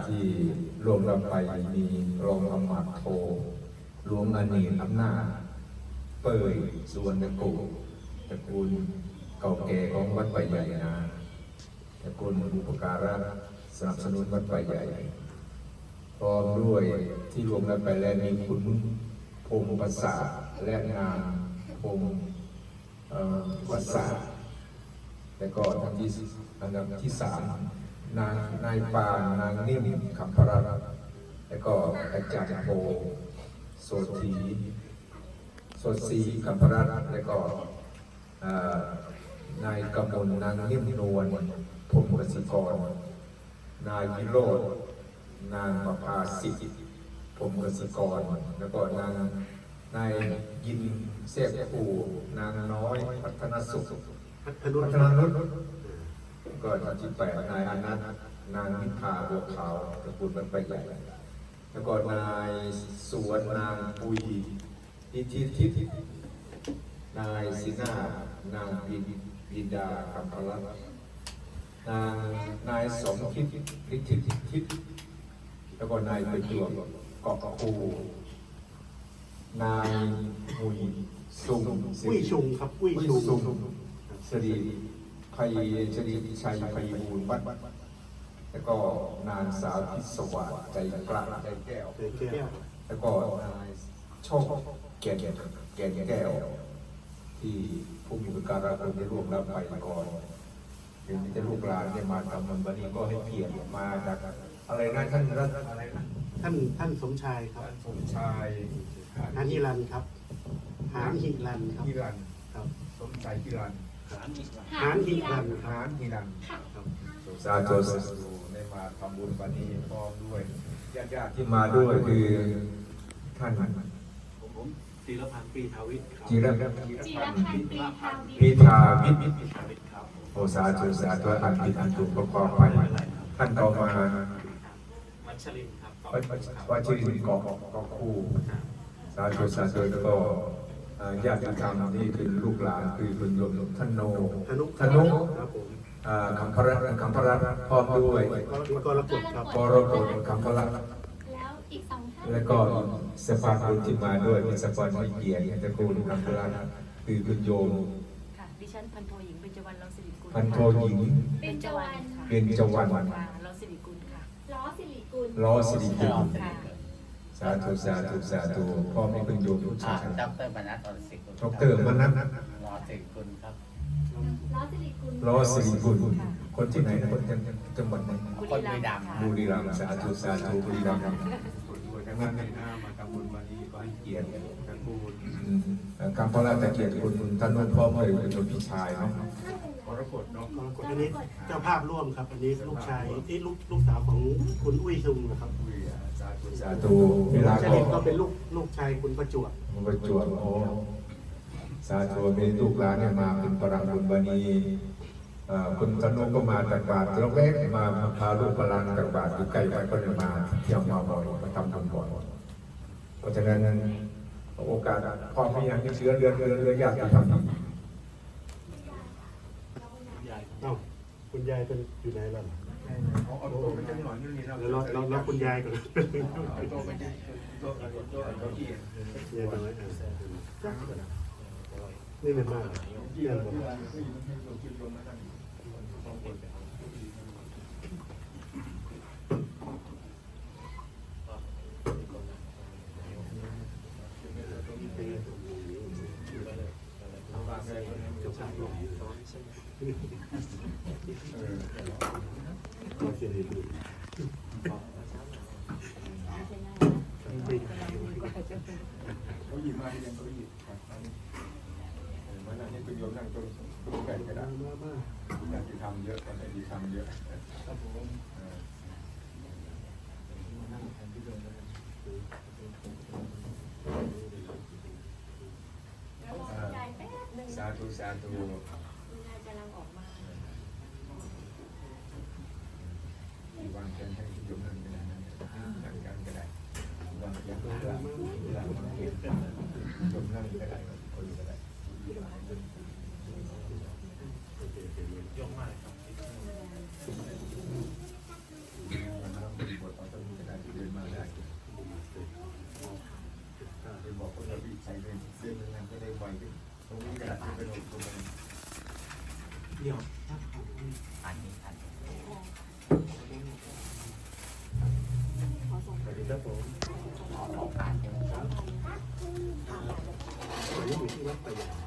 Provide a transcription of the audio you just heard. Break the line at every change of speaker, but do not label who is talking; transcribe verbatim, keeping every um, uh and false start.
ที่รวมเราไปมีรองอมาตย์โทหลวงอเนกอำนาจเปิดสุวรรณกุตระกูลเก่าแก่ของวัดป่าใหญ่นะตระกูลอุปการะสนับสนุนวัดป่าใหญ่พร้อมด้วยที่รวมเราไปแล้วมีคุณพงศ์ภาษาและงานพงศ์ภาษาและก็อันดับที่อันดับที่สามนางนายปานนางนิ่มคำพระรัตน์และก็อาจารย์โพโสธีโสธีคำพระรัตน์และก็นายกมลนางนิ่มนวลพงศ์กสิกรนายวิโรจน์นางประภาสิทธิ์พงศ์กสิกรแล้วก็นางนายยินเสพภูนางน้อยพัฒนสุขพัฒนนุชก็ท่านที่แปดนายอนันต์นางนิพาบัวขาวตระกูลบรรพใหญ่แล้วก็นายสวนนางปุยอิทธิทิพย์นายศินานางบินบิดาคำพลักนางนายสมคิดฤทธิทิพย์แล้วก็นายประจวบเกาะคูนายมุยซุง
กุ้ยชุงครับกุ้ยชุง
สรีภัยชรีชัยภัยบูลย์วัดแล้วก็นางสาวพิศวาสใจกล้าใจแก้วแล้วก็นายโชคแก่นแก่นแก้วที่ผู้มีประการคุณได้ร่วมรับไปก่อนเดี๋ยวจะลูกหลานได้มาทำมันวันนี้ก็ให้เกียรติมาจากอะไรนะท่านรัฐอะไรนะ
ท่านท่านสมชายครับ
สมชาย
หานฮิรันครับหานฮิรันครับ
ฮิรันครับสมชายฮิรัน
หานฮิรัน
หานฮิรันครับสาธุสาธุได้มาทำบุญวันนี้พร้อมด้วยญาติๆที่มาด้วยคือท่าน
ผมจีรพันธ์ปีทาวิทย์
จีรพันธ์ปีทาวิทย์โอสาธุสาธุอันผิดอันถูกประกอบไปท่านต่อมา
วัชรินครับ
วัชรินเกาะเกาะคู่สาธุสาธุแล้วก็ญาติธรรมที่เป็นลูกหลานคือคุณโยมท่านโนธนุคำพระคำพระพร้อมด้วย
กรกฎครับ
กรกฎคำพระแล้วก็สภาพบุญที่มาด้วยเป็นสภาพไม่เกียรติตระกูลคำพระคือคุณโยม
ค่ะดิฉันพันโทหญิงเบญจวรรณ ล้อสิริกุล
พันโทหญิง
เบญจวรรณ
เบญจวรรณ
ล้อสิริกุลค่ะ
ล้อสิริกุล
ล้อสิริกุลสาธุสาธุสาธุพ่อมีคุณโยมผู้ชาย
ดรมนัสอรศิกุล
ดรมนัส
ล้อสิริกุลครับ
ล้อสิริกุล
ล้อสิริกุลคนที่ไหนนะคนจังหวัดไหน
คนบุรีรัมย์
บุรีรัมย์สาธุสาธุบุรีรัมย์ดังนั้นในหน้ามาทำบุญวันนี้ก็ให้เกียรติตระกูลคำพระราชเกียรติคุณท่านนุ่นพ่อเผยเป็นโยมพี่ชายเนาะกรกฎเนาะ
อันนี้เจ้าภาพร่วมครับอันนี้ลูกชายที่ลูกลูกสาวของคุณอุ้ยซุงนะครับ
สาธุสาธุเวลา
ก็เป็นลูกลูกชายคุณประจวบ
ประจวบโอ้สาธุมีลูกหลานเนี่ยมาเป็นปรังบุญวันนี้คุณธนุก็มาจากบาทเล็กๆมาพาลูกพลังจากบาทอยู่ใกล้ไปก็เลยมาเที่ยวมาบ่อยมาทำบุญบ่อยเพราะฉะนั้นโอกาสพอมีอย่างนี้เชื้อเรือเรือเรือยากจะทำ
คุณยายเป็นอยู่ไหนล่ะแล้วแล้วคุณยายก่อนนี่เป็นมากเยี่ยมเลย
เขาหยิบมาเรียนเขาหยิบมันนั่นนี่เป็นโยมนั่งตรงตรงไก่กระดาษอยากจะทำเยอะตอนไหนที่ทำเยอะสาธุสาธุวางแผนให้โยมนั่งกระดาษนั่งกันกระดาษวางอย่างหลังหลังเก็บโยมนั่งกระดาษคนกระดาษยกมาครับเส้นนึงไม่ได้ไวตรงนี้กระดาษเป็นตรงนี้
เดี๋ยว
อันนี้อันนี้
สวัสดีครับผม
ขอขอการใช่ไหมครับ
ตอนนี้อยู่ที่วัดประหยัด